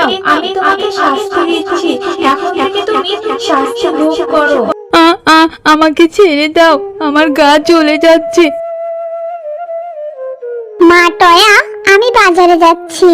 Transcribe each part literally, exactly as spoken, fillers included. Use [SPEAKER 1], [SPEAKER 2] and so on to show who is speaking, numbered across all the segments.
[SPEAKER 1] নাও, আমি তোমাকে শাস্তি দিচ্ছি, এখন থেকে তুমি শাস্তি ভোগ করো।
[SPEAKER 2] আ আ আমাকে ছেড়ে দাও, আমার গা জ্বলে যাচ্ছে।
[SPEAKER 3] মা টয়া, আমি বাজারে যাচ্ছি।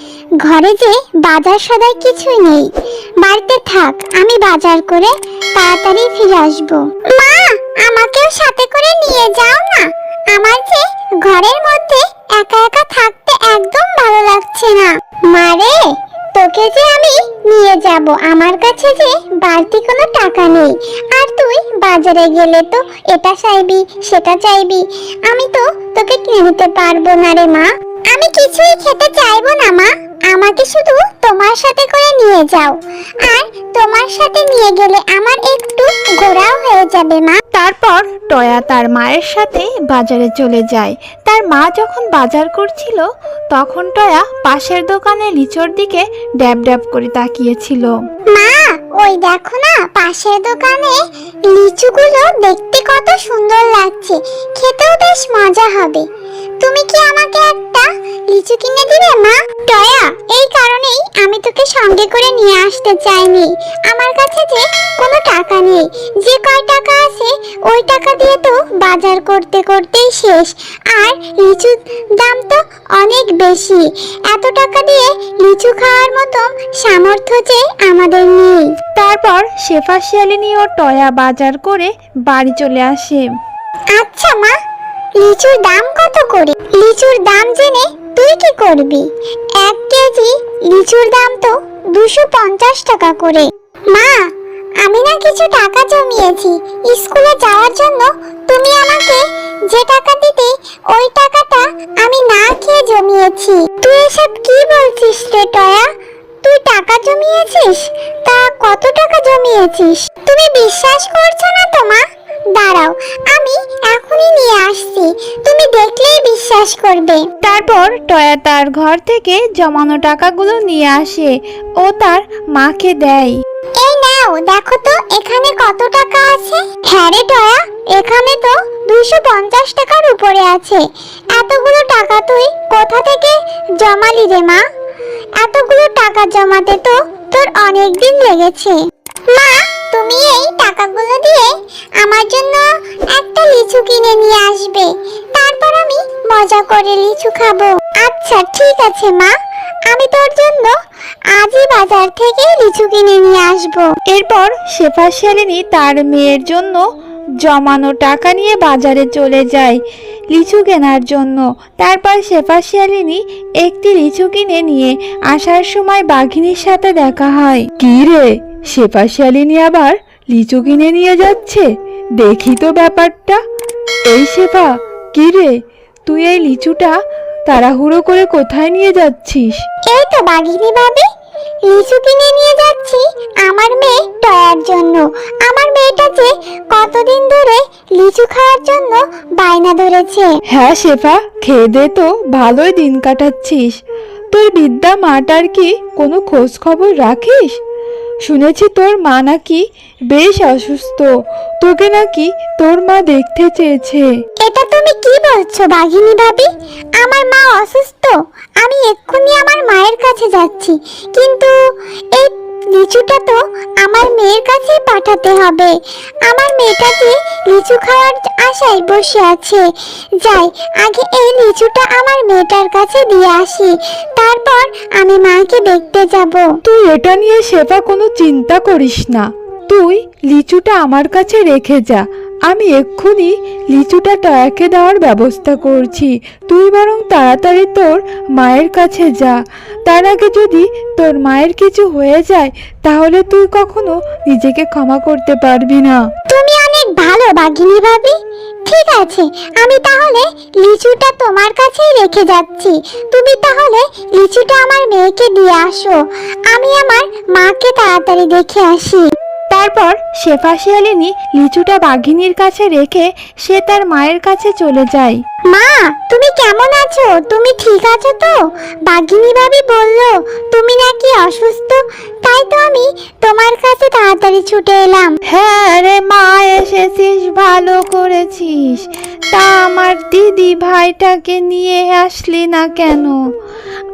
[SPEAKER 3] ঘরে যে বাজার সদাই কিছুই নেই, বাড়িতে থাক, আমি বাজার করে তাড়াতাড়ি ফিরে আসবো। মা, আমাকেও সাথে করে নিয়ে যাও না, আমার যে ঘরের মধ্যে একা একা থাকতে একদম ভালো লাগছে না। মারে, তোকে যে আমি নিয়ে যাব, আমার কাছে যে বাড়তি কোনো টাকা নেই, আর তুই বাজারে গেলে তো এটা চাইবি সেটা চাইবি, আমি তো তোকে কিনে দিতে পারবো না রে মা। আমি কিছুই খেতে চাইবো না মা, আমাকে শুধু তোমার সাথে করে নিয়ে যাও, আর তোমার সাথে নিয়ে গেলে আমার একটু ঘোরাও হয়ে যাবে মা।
[SPEAKER 2] তারপর টয়া তার মায়ের সাথে বাজারে চলে যায়। তার মা যখন বাজার করছিল তখন টয়া পাশের দোকানে লিচুর দিকে ড্যাব ড্যাব করে তাকিয়েছিল।
[SPEAKER 3] মা, ওই দেখো না, পাশের দোকানে লিচুগুলো দেখতে কত সুন্দর লাগছে, খেতেও বেশ মজা হবে। তুমি কি আমাকে একটা লিচু কিনে দিবে মা? টয়া, এই কারণেই আমি তোকে সঙ্গে করে নিয়ে আসতে চাইনি, আমার কাছে যে কোনো টাকা নেই, যে কয় টাকা আছে ওই টাকা দিয়ে তো বাজার করতে করতেই শেষ, আর লিচুর দাম তো অনেক বেশি, এত টাকা দিয়ে লিচু খাওয়ার মতো সামর্থ্য যে আমাদের নেই।
[SPEAKER 2] তারপর শেফা শিয়ালিনী ও টয়া বাজার করে বাড়ি চলে আসে।
[SPEAKER 3] আচ্ছা মা, লিচুর দাম কত করে? লিচুর দাম জেনে তুই কি করবি? এক কেজি লিচুর দাম তো দুশো পঞ্চাশ টাকা করে। মা, আমি না কিছু টাকা জমিয়েছি স্কুলে যাওয়ার জন্য, তুমি আমাকে যে টাকা দিতে ওই টাকাটা আমি না খেয়ে জমিয়েছি। তুই এসব কি বলছিস রে টয়া? তুই টাকা জমিয়েছিস? তা কত টাকা জমিয়েছিস? তুমি বিশ্বাস করছো না তো মা? দাঁড়াও, আমি এখনই নিয়ে আসছি, তুমি দেখলেই বিশ্বাস করবে।
[SPEAKER 2] তারপর টয়া তার ঘর থেকে জমানো টাকাগুলো নিয়ে আসে ও তার মাকে দেয়।
[SPEAKER 3] এই নাও, দেখো তো এখানে কত টাকা আছে। হ্যাঁ রে টয়া, এখানে তো দুইশো পঞ্চাশ টাকার উপরে আছে। এতগুলো টাকা তুই কোথা থেকে জমালি রে মা? এতগুলো টাকা জমাতে তো তোর অনেক দিন লেগেছে। মা, তুমি এই টাকাগুলো দিয়ে আমার জন্য একটা লিচু কিনে নিয়ে আসবে, তারপর আমি মজা করে লিচু খাবো। আচ্ছা ঠিক আছে মা, আমি তোর জন্য আজই বাজার থেকে লিচু কিনে নিয়ে আসবো।
[SPEAKER 2] এরপর শেফা শিয়ালিনী তার মেয়ের জন্য জমানো টাকা নিয়ে বাজারে চলে যায় লিচু কেনার জন্য। তারপর শেফা শিয়ালিনী একটি লিচু কিনে নিয়ে আসার সময় বাঘিনীর সাথে দেখা হয়। কি রে, শেফা শিয়ালিনী আবার লিচু কিনে নিয়ে যাচ্ছে, দেখি তো ব্যাপারটা। এই শেফা, কি রে, তুই এই লিচুটা তাড়াহুড়ো করে কোথায় নিয়ে যাচ্ছিস?
[SPEAKER 3] এই তো বাঘিনী ভাবি, লিচু কিনে নিয়ে যাচ্ছি আমার মেয়ে টয়ার জন্য। আমার মেয়েটা যে কতদিন ধরে লিচু খাওয়ার জন্য বায়না ধরেছে।
[SPEAKER 2] হ্যাঁ শেফা, খেয়ে দে তো, ভালোই দিন কাটাচ্ছিস। তোর বিদ্যা মাটার কি কোনো খোঁজ খবর রাখিস? শুনেছি তোর মা নাকি বেশ অসুস্থ, তোকে নাকি তোর মা দেখতে চেয়েছে।
[SPEAKER 3] এটা তুমি কি বলছো বাঘিনী ভাবি? আমার মা অসুস্থ? আমি এক্ষুনি আমার মায়ের কাছে যাচ্ছি, কিন্তু এই লিচুটা তো আমার মেয়ের কাছে পাঠাতে হবে। আমার মেয়েটা যে লিচু খাওয়ার আশায় বসে আছে। যাই, আগে এই লিচুটা আমার মেয়েটার কাছে দিয়ে আসি, তারপর আমি মাকে দেখতে যাব।
[SPEAKER 2] তুই এটা নিয়ে শেফা কোনো চিন্তা করিস না, তুই লিচুটা আমার কাছে রেখে যা, আমি এক্ষুনি লিচুটা টয়াকে দেওয়ার ব্যবস্থা করছি। তুই বরং তাড়াতাড়ি তোর মায়ের কাছে যা, তার আগে যদি তোর মায়ের কিছু হয়ে যায় তাহলে তুই কখনো নিজেকে ক্ষমা করতে পারবি না।
[SPEAKER 3] তুমি অনেক ভালো বাঘিনী ভাবি। ঠিক আছে, আমি তাহলে লিচুটা তোমার কাছেই রেখে যাচ্ছি। তুমি তাহলে লিচুটা আমার মেয়েকে দিয়ে আসো, আমি আমার মাকে তাড়াতাড়ি দেখে আসি।
[SPEAKER 2] তারপর শেফা শিয়ালিনী লিচুটা বাঘিনীর কাছে রেখে সে তার মায়ের কাছে চলে যায়।
[SPEAKER 3] মা, তুমি কেমন আছো? তুমি ঠিক আছো তো? বাঘিনী ভাবি বললো তুমি নাকি অসুস্থ, তাই তো আমি তোমার কাছে তাড়াতাড়ি ছুটে এলাম।
[SPEAKER 2] হ্যাঁ রে মা, এসেছিস, ভালো করেছিস। তা আমার দিদি ভাইটাকে নিয়ে আসলি না কেন?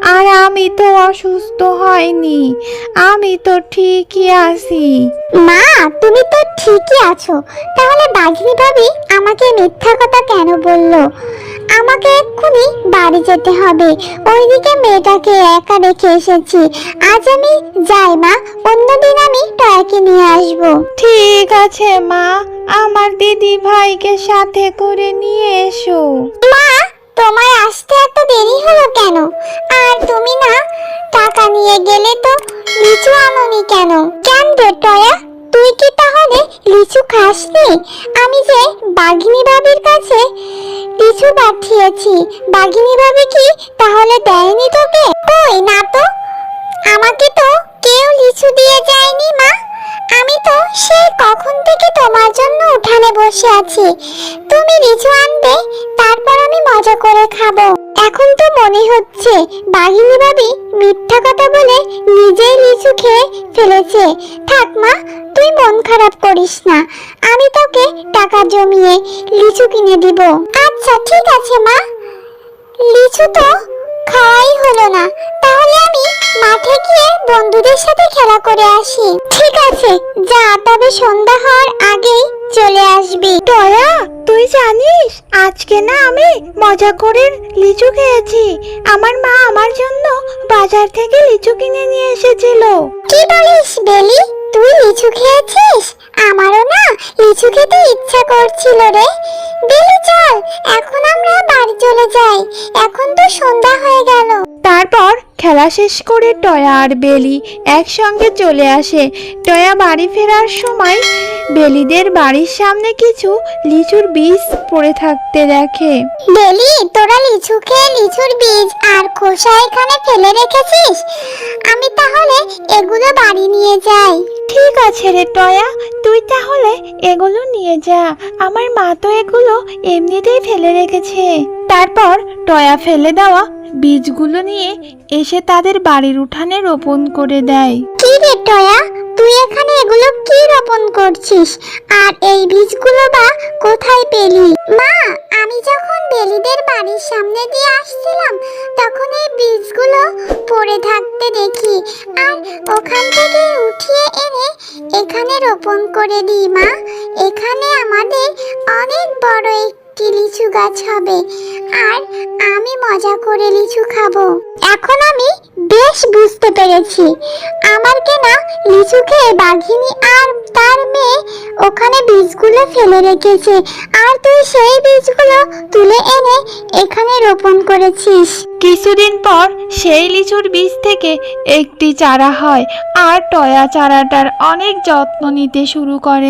[SPEAKER 2] আর আমি তো অসুস্থ হয়নি, আমি তো ঠিকই আছি।
[SPEAKER 3] মা, তুমি তো ঠিকই আছো, তাহলে বাঘিনী ভাবি আমাকে মিথ্যা কথা কেন বললো? আমাকে এক্ষুনি বাড়ি যেতে হবে, ওইদিকে মেয়েটাকে একা রেখে এসেছি। আজ আমি যাই মা, অন্যদিন আমি টয়াকে নিয়ে আসবো।
[SPEAKER 2] ঠিক আছে মা, আমার দিদি ভাইকে সাথে করে নিয়ে এসো।
[SPEAKER 3] মা, তোমার আসতে এত দেরি হলো কেন? আর তুমি না টাকা নিয়ে গেলে তো লিচু আনোনি কেন? কেন রে টয়া, তুই কি তাহলে লিচু খাসনি? আমি যে বাঘিনী ভাবির কাছে লিচু পাঠিয়েছি, বাঘিনী ভাবি কি তাহলে দেয়নি তোকে? কই না তো, আমাকে তো কেউ লিচু দিয়ে যায়নি মা। আমি তো সেই কখন থেকে তোমার জন্য উঠানে বসে আছি, তুমি লিচু আনবে, তারপর আমি মজা করে খাবো। এখন তো মনে হচ্ছে বাঘিনী ভাবি মিথ্যা কথা বলে নিজেই লিচু খেয়ে ফেলেছে। থাক মা, তুই মন খারাপ করিস না, আমি তোকে টাকা জমিয়ে লিচু কিনে দিব। আচ্ছা ঠিক আছে মা, লিচু তো খাওয়াই হলো না, তাহলে আমি মাঠে গিয়ে বন্ধুদের সাথে খেলা করে আসি। ঠিক আছে যা, তবে সন্ধ্যা হওয়ার আগেই চলে আসবি।
[SPEAKER 2] টয়া, তুই জানিস আজকে না আমি মজা করে লিচু খেয়েছি। আমার মা আমার জন্য বাজার থেকে লিচু কিনে নিয়ে এসেছিল।
[SPEAKER 3] কি বলিস বেলি, তুই লিচু খেয়েছিস? আমারও না লিচু খেতে ইচ্ছা করছিল রে। বেলি চল, এখন আমরা বাড়ি চলে যাই, এখন তো সন্ধ্যা হয়ে গেল।
[SPEAKER 2] তারপর খেলা শেষ করে টয়া আর বেলি একসঙ্গে চলে আসে। টয়া বাড়ি ফেরার সময় বেলিদের বাড়ির সামনে কিছু লিচুর বীজ পড়ে থাকতে দেখে।
[SPEAKER 3] বেলি, তোরা লিচু খেয়ে লিচুর বীজ আর খোসা এখানে ফেলে রেখেছিস, আমি তাহলে এগুলো বাড়ি নিয়ে যাই।
[SPEAKER 2] ঠিক আছে রে টয়া, তুই তাহলে এগুলো নিয়ে যা, আমার মা তো এগুলো এমনিতেই ফেলে রেখেছে। তারপর টয়া ফেলে দেওয়া বীজগুলো নিয়ে এসে তাদের বাড়ির উঠানে রোপণ করে দেয়।
[SPEAKER 3] কি রে টয়া, তুই এখানে এগুলো কি রোপণ করছিস? আর এই বীজগুলো বা কোথায় পেলি? মা, আমি যখন বেলিদের বাড়ির সামনে দিয়ে আসছিলাম তখন এই বীজগুলো পড়ে থাকতে দেখি, আর ওখান থেকে উঠিয়ে এনে এখানে রোপণ করে দিই। মা, এখানে আমাদের অনেক বড় একটি লিচু গাছ হবে, আর আমি মজা করে লিচু খাবো। এখন আমি বেশ বুঝতে পেরেছি, আমার কেনা লিচু খেয়ে বাঘিনী আর তার মেয়ে ওখানে বীজগুলো ফেলে রেখেছে, আর তুই সেই বীজগুলো তুলে এনে এখানে রোপণ করেছিস।
[SPEAKER 2] কিছুদিন পর সেই লিচুর বীজ থেকে একটি চারা হয়, আর টয়া চারাটার অনেক যত্ন নিতে শুরু করে।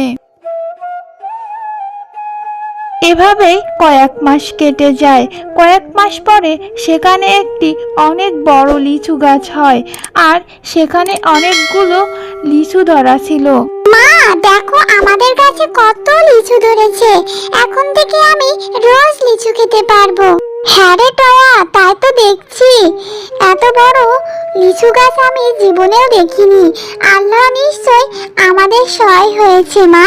[SPEAKER 2] এভাবে কয়েক মাস কেটে যায়। কয়েক মাস পরে সেখানে একটি অনেক বড় লিচু গাছ হয়, আর সেখানে অনেকগুলো লিচু ধরা ছিল।
[SPEAKER 3] মা দেখো, আমাদের কাছে কত লিচু ধরেছে, এখন থেকে আমি রোজ লিচু খেতে পারবো। হ্যাঁ রে টয়া, তাই তো দেখছি, এত বড় লিচু গাছ আমি জীবনেও দেখিনি। আল্লাহ নিশ্চয় আমাদের সহায় হয়েছে। মা,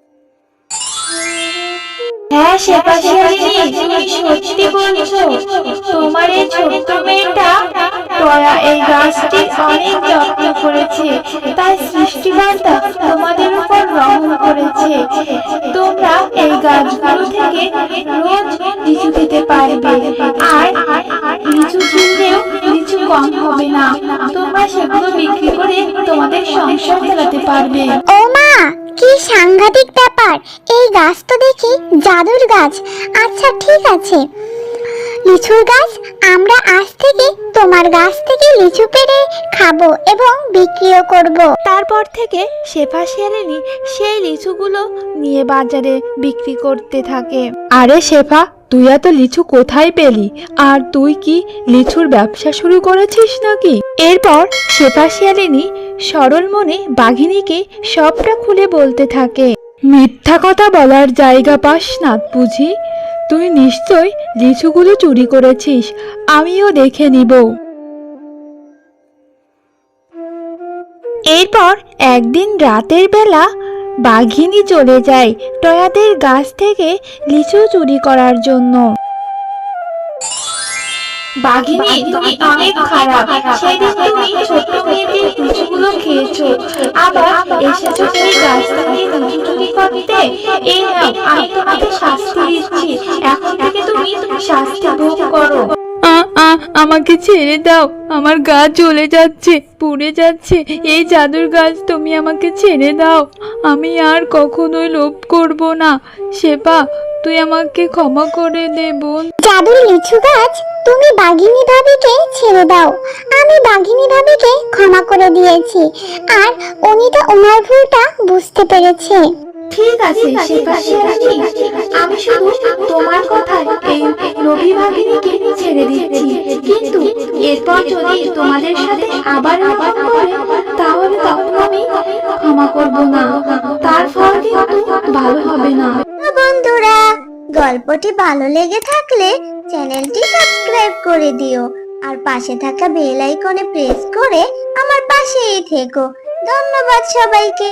[SPEAKER 1] হ্যাঁ শেফাশিয়ালিনী, তুমি সত্যি বলছো, তোমার এই ছোট্ট মেয়েটা টয়া এই গাছটি অনেক যত্ন করেছে, তাই সৃষ্টিকর্তা তোমাদের উপর রহম করেছে। তোমরা এই গাছগুলো থেকে রোজ লিচু খেতে পারবে, আর লিচু কিনলেও লিচু কম হবে না। তোমরা সেগুলো বিক্রি করে তোমাদের সংসার চালাতে পারবে।
[SPEAKER 3] ও মা, কি সাংঘাতিক ব্যাপার, এই গাছ তো দেখি জাদুর গাছ। আচ্ছা ঠিক আছে লিচুর গাছ, আমরা আজ থেকে তোমার গাছ থেকে লিচু পেড়ে খাবো এবং বিক্রিও করব।
[SPEAKER 2] তারপর থেকে শেফা শিয়ালিনী সেই লিচুগুলো নিয়ে বাজারে বিক্রি করতে থাকে। আরে শেফা, তুই এত লিচু কোথায় পেলি? আর তুই কি লিচুর ব্যবসা শুরু করেছিস নাকি? এরপর শেফা শিয়ালিনী সরল মনে বাঘিনীকে সবটা খুলে বলতে থাকে। মিথ্যা কথা বলার জায়গা পাস না বুঝি? তুই নিশ্চয় লিচুগুলো চুরি করেছিস, আমিও দেখে নিব। এরপর একদিন রাতের বেলা বাঘিনী চলে যায় টয়াদের গাছ থেকে লিচু চুরি করার জন্য।
[SPEAKER 1] বাঘিনী তুমি অনেক খারাপ। সেদিন তুমি ছোট্ট মেয়েদের লিচুগুলো খেয়েছো, আবার এসেছো সেই গাছ থেকে লিচু চুরি করতে। এই নাও, আমি তোমাকে শাস্তি দিচ্ছি। এখন থেকে তুমি শাস্তি ভোগ করো।
[SPEAKER 2] আ আ আমাকে ছেড়ে দাও, আমার গা জ্বলে যাচ্ছে, পুড়ে যাচ্ছে। এই জাদুর গাছ, তুমি আমাকে ছেড়ে দাও। আমি আর কখনোই লোভ করব না। শেফা, তুই আমাকে ক্ষমা করে দে বোন।
[SPEAKER 3] জাদুর লিচু গাছ, তুমি বাঘিনী ভাবিকে ছেড়ে দাও। আমি বাঘিনী ভাবিকে ক্ষমা করে দিয়েছি, আর উনি তো ওনার ভুলটা বুঝতে পেরেছে।
[SPEAKER 1] ঠিক আছে শেফা শিয়ালিনী, আমি শুধু তোমার কথায় এই লোভী বাঘিনীকে ছেড়ে দিচ্ছি, কিন্তু এরপর যদি তোমাদের সাথে আবার এরকম করে তাহলে তখন আমি ক্ষমা করব না। তার ফল কিন্তু ভালো হবে না।
[SPEAKER 3] বন্ধুরা, গল্পটি ভালো লেগে থাকলে চ্যানেলটি সাবস্ক্রাইব করে দিও, আর পাশে থাকা বেল আইকনে প্রেস করে আমার পাশেই থেকো। ধন্যবাদ সবাইকে।